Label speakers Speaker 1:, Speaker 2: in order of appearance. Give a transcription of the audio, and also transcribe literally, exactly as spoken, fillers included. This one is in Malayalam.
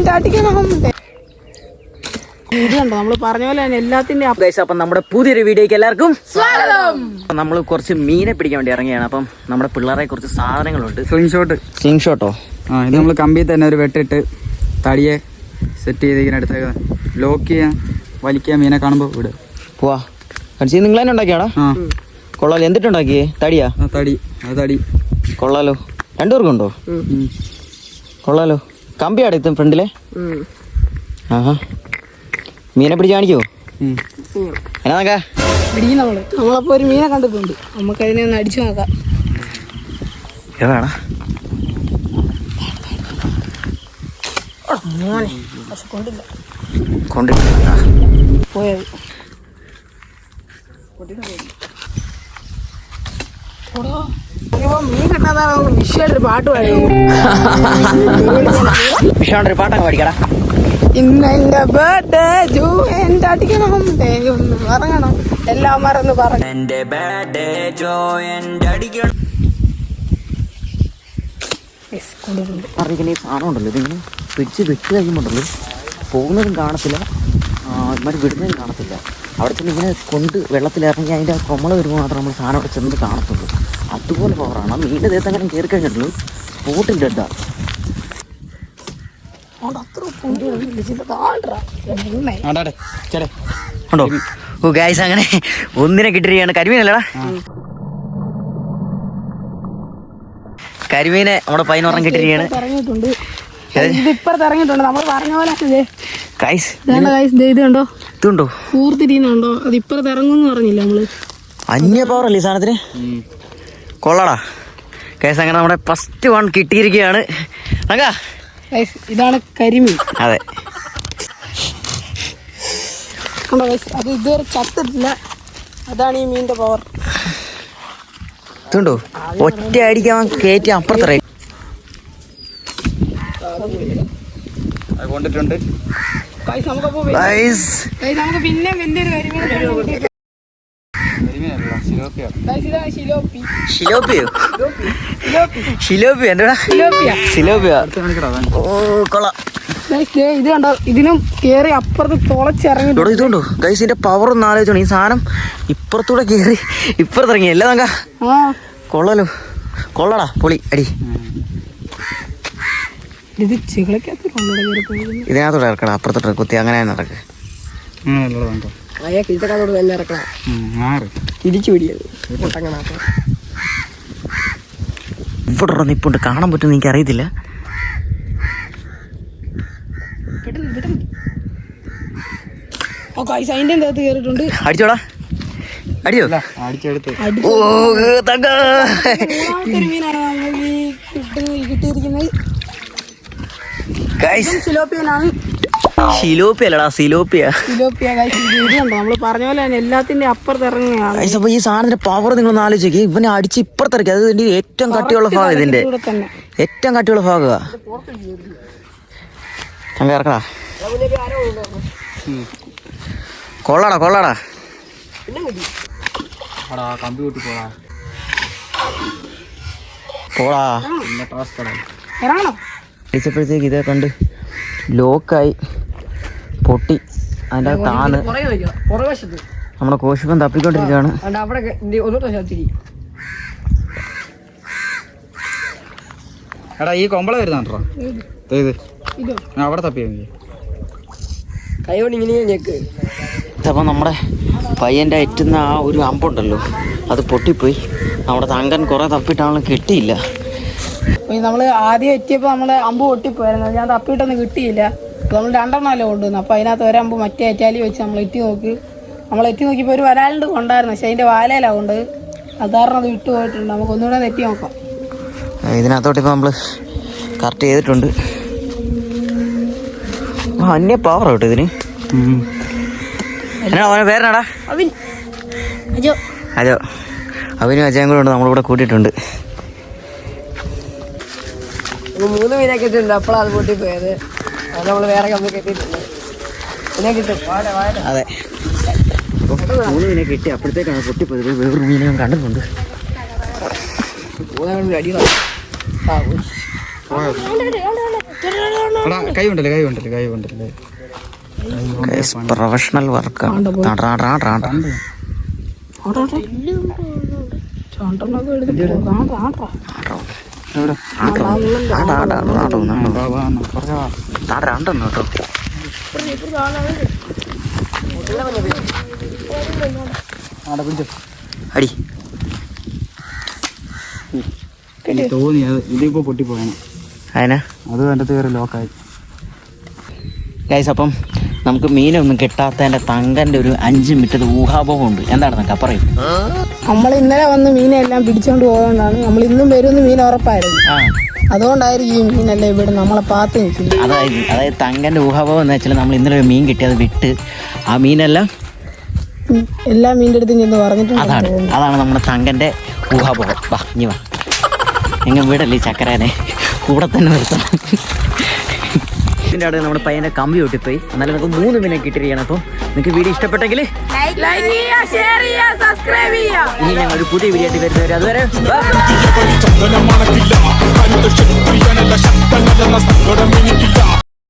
Speaker 1: നമ്മള് പറഞ്ഞ പോലെ തന്നെ എല്ലാത്തിന്റെ.
Speaker 2: അപ്പം നമ്മുടെ പുതിയൊരു വീഡിയോക്ക് എല്ലാവർക്കും സ്വാഗതം. നമ്മൾ കുറച്ച് മീനെ പിടിക്കാൻ വേണ്ടി ഇറങ്ങിയാണ്. അപ്പം നമ്മുടെ പിള്ളേരെ കുറച്ച് സാധനങ്ങളുണ്ട്.
Speaker 3: സ്ലിംഗ് ഷോട്ട്
Speaker 2: സ്ലിംഗ് ഷോട്ടോ?
Speaker 3: ആ, ഇത് നമ്മൾ കമ്പിയിൽ തന്നെ ഒരു വെട്ടിട്ട് തടിയെ സെറ്റ് ചെയ്ത് ഇങ്ങനെ അടുത്തേക്ക് ലോക്ക് ചെയ്യാൻ വലിക്കാൻ മീനെ കാണുമ്പോൾ വിടുക.
Speaker 2: പോവാ കടിച്ച് നിങ്ങൾ തന്നെ ഉണ്ടാക്കിയാടാ?
Speaker 3: ആ
Speaker 2: കൊള്ളാലോ. എന്തിട്ടുണ്ടാക്കിയേ? തടിയാ?
Speaker 3: ആ തടി. അത് തടി
Speaker 2: കൊള്ളാലോ. രണ്ടുപേർക്കുണ്ടോ? കൊള്ളാലോ. കമ്പിയാടെ ഇത്തും ഫ്രണ്ടിലെ. ആഹാ, മീനെ പിടിച്ച് കാണിക്കോ? എന്നാ നോക്കാ
Speaker 1: പിടിക്കും നമ്മള്. നമ്മളപ്പോ ഒരു മീനെ കണ്ടിട്ടുണ്ട്, നമുക്ക് അതിനെ ഒന്ന് അടിച്ചു നോക്കാം.
Speaker 2: ഏതാടാ?
Speaker 1: പക്ഷെ കൊണ്ടില്ല.
Speaker 2: കൊണ്ടിട്ടാ
Speaker 1: പോയത് മീൻ കിട്ടാതാണ് വിഷയമായിട്ടൊരു പാട്ട് പാടിയത്.
Speaker 2: വിഷയമായിട്ടൊരു പാട്ടൊക്കെ പാടിക്കടാ.
Speaker 1: ഇന്നെന്റെ ബർത്ത്ഡേ ജൂ എന്റെ അടിക്കണം ഇറങ്ങണം എല്ലാം മറന്ന് പറഞ്ഞു.
Speaker 2: എന്റെ ബർത്ത്ഡേ ജോ എന്റെ അടിക്കണം. അറിയിക്കുന്ന ഈ സാധനം ഉണ്ടല്ലോ, ഇതിങ്ങനെ പിടിച്ച് വിട്ട് കഴിയുമ്പോണ്ടല്ലോ പോകുന്നതും കാണത്തില്ല, മറ്റു വിടുന്നതും കാണത്തില്ല. അവിടെ ചെന്ന് ഇങ്ങനെ കൊണ്ട് വെള്ളത്തിലിറങ്ങി അതിൻ്റെ കൊമ്മള വരുമ്പോൾ മാത്രം നമ്മൾ സാധനം അവിടെ ചെന്ന് കാണത്തുള്ളൂ. അതുപോലെ പവറാണ്. മീൻ്റെ ദേഹത്ത് അങ്ങനെ കയറി കഴിഞ്ഞിട്ടുള്ളൂ സ്പോട്ടിൻ്റെ ഇട്ടാ. ഉണ്ടോ? ഓ ഗൈസ്, അങ്ങനെ ഒന്നിനെ കിട്ടിയിരിക്കുകയാണ്. കരിമീനല്ലടാ? കരിമീനെ നമ്മുടെ പതിനൊരെണ്ണം കിട്ടിയിരിക്കുകയാണ്.
Speaker 1: ഇതിപ്പുറത്ത് ഇറങ്ങിയിട്ടുണ്ട്. നമ്മൾ പറഞ്ഞ പോലെ
Speaker 2: ഗൈസ്
Speaker 1: ഇത് കണ്ടോ,
Speaker 2: ഇതുണ്ടോ
Speaker 1: കൂർത്തിരിയുന്നുണ്ടോ? അത് ഇപ്പുറത്ത് ഇറങ്ങുമെന്ന് പറഞ്ഞില്ല നമ്മള്.
Speaker 2: അന്യ പവറല്ലേ ഈ സാധനത്തിന്? കൊള്ളടാ ഗൈസ്. അങ്ങനെ നമ്മുടെ ഫസ്റ്റ് വൺ കിട്ടിയിരിക്കുകയാണ്.
Speaker 1: ഇതാണ് കരിമീൻ.
Speaker 2: അതെ,
Speaker 1: അത് ഇതുവരെ ചത്തിട്ടില്ല. അതാണ് ഈ മീനിന്റെ പവർ.
Speaker 2: ഇതുണ്ടോ? ഒറ്റ അടിക്കാൻ കയറ്റി അപ്പുറത്തറ
Speaker 3: കൊണ്ടിട്ടുണ്ട്.
Speaker 1: നമുക്ക് പിന്നെ വലിയൊരു കരിമീൻ.
Speaker 2: ഷിലോപ്പിയോ? ഷിലോപ്പിയോ? എന്താ ഷിലോപ്പിയോ? ഓ കൊള്ളാം.
Speaker 1: ഇത് കണ്ടോ, ഇതിനും കേറി അപ്പുറത്ത് തുളച്ചിറങ്ങി.
Speaker 2: ഇതുണ്ടോ ഗൈസ്, ഇതിന്റെ പവർ ഒന്ന് ആലോചിച്ചോണം. ഈ സാധനം ഇപ്പുറത്തൂടെ കേറി ഇപ്പുറത്തിറങ്ങി. അല്ല നോക്ക, കൊള്ളാലോ. കൊള്ളടാ, പൊളി അടി.
Speaker 1: ഇത് ചികളക്കകത്ത്
Speaker 2: ഇതിനകത്തോടെ ഇറക്കണം, അപ്പുറത്തോട്ട് കുത്തി അങ്ങനെ തന്നെ ഇറക്കുക.
Speaker 1: തിരിച്ചു പിടിയത്
Speaker 2: ഇവിടെ നിപ്പുണ്ട്, കാണാൻ പറ്റുമെന്ന് എനിക്ക് അറിയത്തില്ല.
Speaker 1: അതിന്റെ അകത്ത് കേറിയിട്ടുണ്ട്.
Speaker 2: അടിച്ചോടാ, അടിയോ?
Speaker 3: അടിച്ചെടുത്ത്.
Speaker 2: ഓ തങ്ക,
Speaker 1: മീനാണ് കിട്ടിയിരിക്കുന്നത്. സിലോപ്പിയനാണ്.
Speaker 2: സിലോപ്പിയ അല്ലടാ, സിലോപ്പിയ.
Speaker 1: സിലോപ്പിയ ഇതുണ്ടോ, നമ്മള് പറഞ്ഞ പോലെ തന്നെ എല്ലാത്തിന്റെ അപ്പുറത്ത് ഇറങ്ങുകയാണ്.
Speaker 2: അപ്പൊ ഈ സാധനത്തിന്റെ പവർ നിങ്ങളൊന്ന് ആലോചിക്കുക. ഇവനെ അടിച്ച് ഇപ്പുറത്തിറക്കി. അത് ഇതിന്റെ ഏറ്റവും കട്ടിയുള്ള ഭാഗം, ഇതിന്റെ ഏറ്റവും കട്ടിയുള്ള ഭാഗമാ. ചങ്ക ഇറക്കടാ. കൊള്ളാടാ, കൊള്ളാടാ. പോടാ. അടിച്ചപ്പോഴത്തേക്ക് ഇതേ കണ്ട് ലോക്കായി പൊട്ടി. അതിൻ്റെ താന്ന് നമ്മുടെ കോശിപ്പം തപ്പിക്കൊണ്ടിരിക്കുകയാണ്.
Speaker 3: എടാ, ഈ കൊമ്പള വരുന്നുണ്ടോ? അവിടെ തപ്പിയാ
Speaker 2: ഇതപ്പം നമ്മുടെ പയ്യൻ്റെ അറ്റുന്ന ആ ഒരു അമ്പുണ്ടല്ലോ, അത് പൊട്ടിപ്പോയി. നമ്മുടെ തങ്കൻ കുറെ തപ്പിയിട്ടാണെങ്കിലും കിട്ടിയില്ല.
Speaker 1: നമ്മൾ ആദ്യം എത്തിയപ്പോൾ നമ്മൾ അമ്പ് പൊട്ടിപ്പോയായിരുന്നു. ഞാൻ തപ്പിയിട്ടൊന്നും കിട്ടിയില്ല. നമ്മൾ രണ്ടെണ്ണമല്ലേ കൊണ്ടുവന്നു. അപ്പോൾ അതിനകത്ത് ഒരമ്പ് മറ്റേ അറ്റാലി വെച്ച് നമ്മൾ എത്തി നോക്കി. നമ്മൾ എത്തി നോക്കിയപ്പോൾ ഒരു വരാലുണ്ട് കൊണ്ടായിരുന്നു, പക്ഷെ അതിൻ്റെ വാലയിലാണ് കൊണ്ട്. അത് കാരണം അത് വിട്ടു പോയിട്ടുണ്ട്. നമുക്ക് ഒന്നുകൂടെ എത്തി നോക്കാം.
Speaker 2: ഇതിനകത്തോട്ട് ഇപ്പോൾ നമ്മൾ കറക്റ്റ് ചെയ്തിട്ടുണ്ട്. അന്യ പവർ കേട്ടോ ഇതിന്. എന്നാ അവനെ പേരെന്നാടാ?
Speaker 1: അജോ.
Speaker 2: അജോ. അവനും അജയും കൂടെ ഉണ്ട്, നമ്മളിവിടെ കൂട്ടിയിട്ടുണ്ട്.
Speaker 1: മൂന്ന് മീനെ കിട്ടിയിട്ടുണ്ട്. അപ്പോഴാണ് അത് പൊട്ടിപ്പോയത്. അത് നമ്മൾ വേറെ കമ്പി കെട്ടിയിട്ടുണ്ട്. പിന്നെ കിട്ടും.
Speaker 2: അതെ, മൂന്ന് മീനെ കിട്ടി. അപ്പോഴത്തേക്കാണ് പൊട്ടിപ്പോയത്. വേറൊരു മീനെ ഞാൻ കണ്ടിട്ടുണ്ട്.
Speaker 1: അടി
Speaker 3: എടാ കൈ ഉണ്ടല്ലേ കൈ ഉണ്ടല്ലേ കൈ ഉണ്ടല്ലേ
Speaker 2: പ്രൊഫഷണൽ വർക്ക് അടി
Speaker 3: തോന്നി അത് ഇതിപ്പോ പൊട്ടിപ്പോയാണ്
Speaker 2: അതിനാ
Speaker 3: അത് എൻ്റെ കയറി ലോക്കായി.
Speaker 2: ഗൈസ് അപ്പം നമുക്ക് മീനൊന്നും കിട്ടാത്തതിൻ്റെ തങ്കൻ്റെ ഒരു അഞ്ച് മിനിറ്റ് ഊഹാഭോഗം ഉണ്ട്. എന്താണ് തങ്ക പറയും?
Speaker 1: നമ്മൾ ഇന്നലെ വന്ന് മീനെല്ലാം പിടിച്ചോണ്ട് പോയതുകൊണ്ടാണ് നമ്മൾ ഇന്നും വരുമെന്ന് മീൻ ഉറപ്പായിരുന്നു.
Speaker 2: ആ
Speaker 1: അതുകൊണ്ടായിരിക്കും ഈ മീനല്ലേ ഇവിടെ നമ്മളെ പാത്ത് നിൽക്കുന്നത്.
Speaker 2: അതായത് അതായത് തങ്കൻ്റെ ഊഹാഭോഗം എന്ന് വെച്ചാൽ നമ്മൾ ഇന്നലെ ഒരു മീൻ കിട്ടി, അത് വിട്ട് ആ മീനെല്ലാം
Speaker 1: എല്ലാ മീൻ്റെ അടുത്തും ചെന്ന് പറഞ്ഞിട്ടുണ്ട്.
Speaker 2: അതാണ് അതാണ് നമ്മുടെ തങ്കൻ്റെ ഊഹാഭോഗം. വാ ഇനി വാ, എങ്ങനെ വീടല്ലേ ചക്കരേനെ കൂടെ തന്നെ നിർത്തണം. ഇതിൻ്റെ അവിടെ നമ്മുടെ പയ്യൻ്റെ കമ്പി ഒട്ടിപ്പോയി. എന്നാലും നമുക്ക് മൂന്ന് മീനെ കിട്ടിയിരിക്കണം. അപ്പോൾ നിങ്ങൾക്ക് വീഡിയോ ഇഷ്ടപ്പെട്ടെങ്കിൽ ഇനി ഞങ്ങൾ ഒരു പുതിയ വീഡിയോ ആയിട്ട് വരുന്നവരെ അതുവരെ